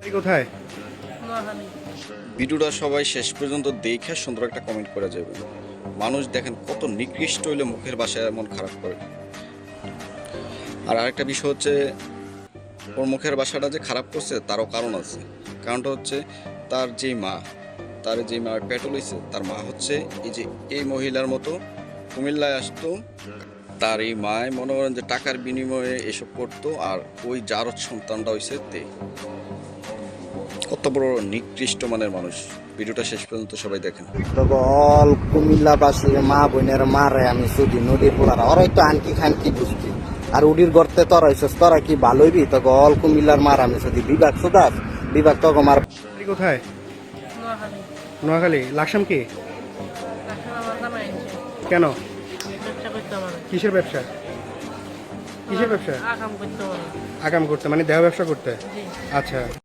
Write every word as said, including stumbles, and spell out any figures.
এই কোথায়? ভিডিওটা সবাই শেষ পর্যন্ত দেখে সুন্দর একটা কমেন্ট করে যাবে। মানুষ দেখেন কত নিকৃষ্ট হইলে মুখের ভাষায় এমন খারাপ করে। আর আরেকটা বিষয় হচ্ছে ওর মুখের ভাষাটা যে খারাপ করছে তারও কারণ আছে। কারণটা হচ্ছে তার যেই মা, তার যেই মা পেটে লইছে, তার মা হচ্ছে এই যে এই মহিলার মতো কুমিল্লায় আসতো। তার এই মায় মনে করেন যে টাকার বিনিময়ে এসব করতো, আর ওই জারদ সন্তানটা হইছে তে। কত বড় নিকৃষ্ট মানের মানুষ। ভিডিওটা শেষ পর্যন্ত সবাই দেখেন। তবে অল কুমিল্লাবাসীর মা বোনের মারে আমি শুধু নদীর পোলারা ওরাই তো আনকি খানকি বুঝছি। আর উডির গর্তে তোরা হইছিস, তোরা কি ভালোইবি? তবে অল কুমিল্লার মার আমি শুধু বিভাগ সুদাস বিভাগ তক মার। এই কোথায়? নোয়াখালী। লাকসাম কি? কেন? কিসের ব্যবসা? কিসের ব্যবসা? আকাম করতে, মানে দেহ ব্যবসা করতে। আচ্ছা।